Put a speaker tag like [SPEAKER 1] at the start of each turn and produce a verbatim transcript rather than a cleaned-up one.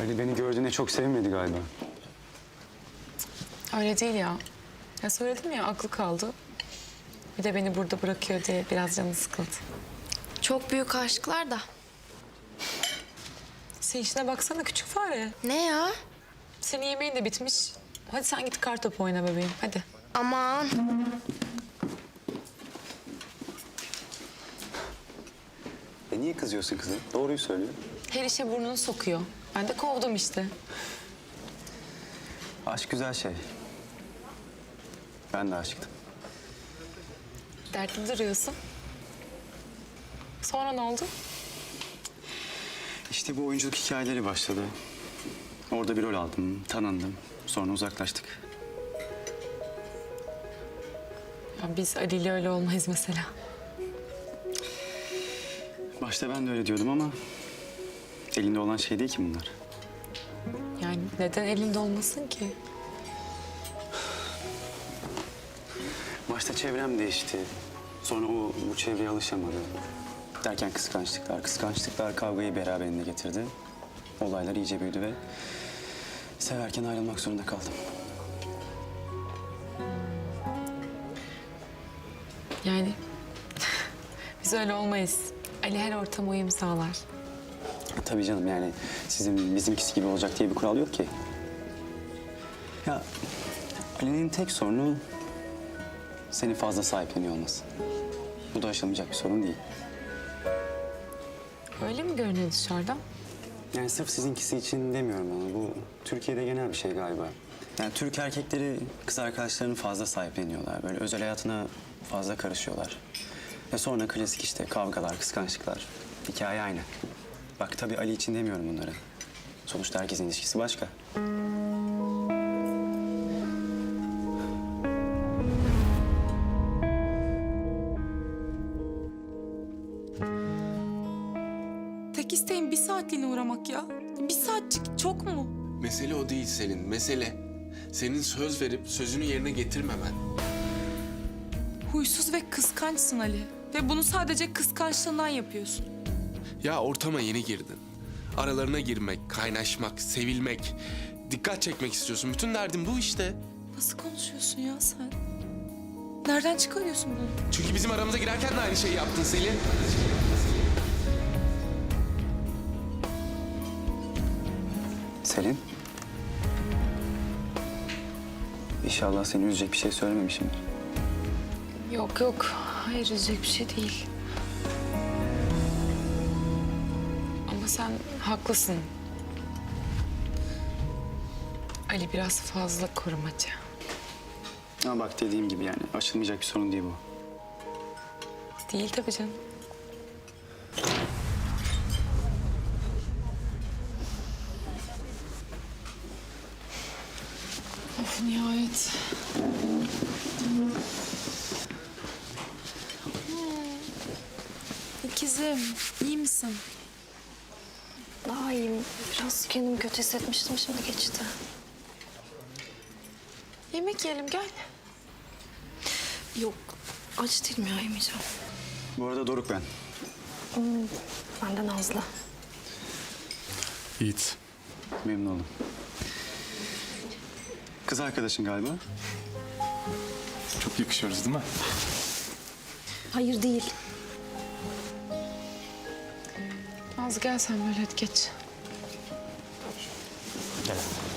[SPEAKER 1] Ali beni gördüğüne çok sevinmedi galiba.
[SPEAKER 2] Öyle değil ya. Ya söyledim ya, aklı kaldı. Bir de beni burada bırakıyor diye biraz canı sıkıldı.
[SPEAKER 3] Çok büyük aşklar da.
[SPEAKER 2] Sen işine baksana küçük fare.
[SPEAKER 3] Ne ya?
[SPEAKER 2] Senin yemeğin de bitmiş. Hadi sen git kartopu oyna bebeğim, hadi.
[SPEAKER 3] Aman.
[SPEAKER 1] E niye kızıyorsun kızım? Doğruyu söylüyor.
[SPEAKER 2] Her işe burnunu sokuyor. Ben de kovdum işte.
[SPEAKER 1] Aşk güzel şey. Ben de aşıktım.
[SPEAKER 2] Dertli duruyorsun. Sonra ne oldu?
[SPEAKER 1] İşte bu oyunculuk hikayeleri başladı. Orada bir rol aldım, tanındım. Sonra uzaklaştık.
[SPEAKER 2] Ya biz Ali ile öyle olmayız mesela.
[SPEAKER 1] Başta ben de öyle diyordum ama... elinde olan şey değil ki bunlar.
[SPEAKER 2] Yani neden elinde olmasın ki?
[SPEAKER 1] Başta çevrem değişti. Sonra o bu çevreye alışamadı. Derken kıskançlıklar, kıskançlıklar kavgayı beraberinde getirdi. Olaylar iyice büyüdü ve... severken ayrılmak zorunda kaldım.
[SPEAKER 2] Yani biz öyle olmayız. Ali her ortama uyum sağlar.
[SPEAKER 1] Tabii canım, yani sizin bizimkisi gibi olacak diye bir kural yok ki. Ya Ali'nin tek sorunu seni fazla sahipleniyor olması. Bu da aşılmayacak bir sorun değil.
[SPEAKER 2] Öyle mi görünüyor dışarıdan?
[SPEAKER 1] Yani sırf sizinkisi için demiyorum ama bu Türkiye'de genel bir şey galiba. Yani Türk erkekleri kız arkadaşlarını fazla sahipleniyorlar. Böyle özel hayatına fazla karışıyorlar. Ve sonra klasik işte kavgalar, kıskançlıklar. Hikaye aynı. Bak tabii Ali için demiyorum bunları. Sonuçta herkesin ilişkisi başka.
[SPEAKER 4] Tek isteğim bir saatliğine uğramak ya. Bir saatçik çok mu?
[SPEAKER 5] Mesele o değil Selin, mesele. Senin söz verip sözünü yerine getirmemen.
[SPEAKER 4] Huysuz ve kıskançsın Ali. Ve bunu sadece kıskançlığından yapıyorsun.
[SPEAKER 5] Ya ortama yeni girdin. Aralarına girmek, kaynaşmak, sevilmek, dikkat çekmek istiyorsun. Bütün derdin bu işte.
[SPEAKER 4] Nasıl konuşuyorsun ya sen? Nereden çıkarıyorsun bunu?
[SPEAKER 5] Çünkü bizim aramıza girerken de aynı şeyi yaptın Selin.
[SPEAKER 1] Selin. İnşallah seni üzecek bir şey söylememişimdir.
[SPEAKER 2] Yok yok. Hayır, üzecek bir şey değil. Ama sen haklısın. Ali biraz fazla korumacı.
[SPEAKER 1] Ama bak dediğim gibi yani aşılmayacak bir sorun değil bu.
[SPEAKER 2] Değil tabii canım. Of, nihayet.
[SPEAKER 4] İkizim, iyi misin?
[SPEAKER 6] Daha iyiyim. Biraz kendimi kötü hissetmiştim, şimdi geçti.
[SPEAKER 2] Yemek yiyelim, gel.
[SPEAKER 6] Yok, aç değilim ya, yemeyeceğim.
[SPEAKER 1] Bu arada Doruk ben.
[SPEAKER 6] Hmm, ben de Nazlı.
[SPEAKER 5] Yiğit.
[SPEAKER 1] Memnun oldum. Kız arkadaşın galiba.
[SPEAKER 7] Çok yakışıyoruz değil mi?
[SPEAKER 6] Hayır değil.
[SPEAKER 2] Nazlı gel sen böyle, hadi geç.
[SPEAKER 7] Gel.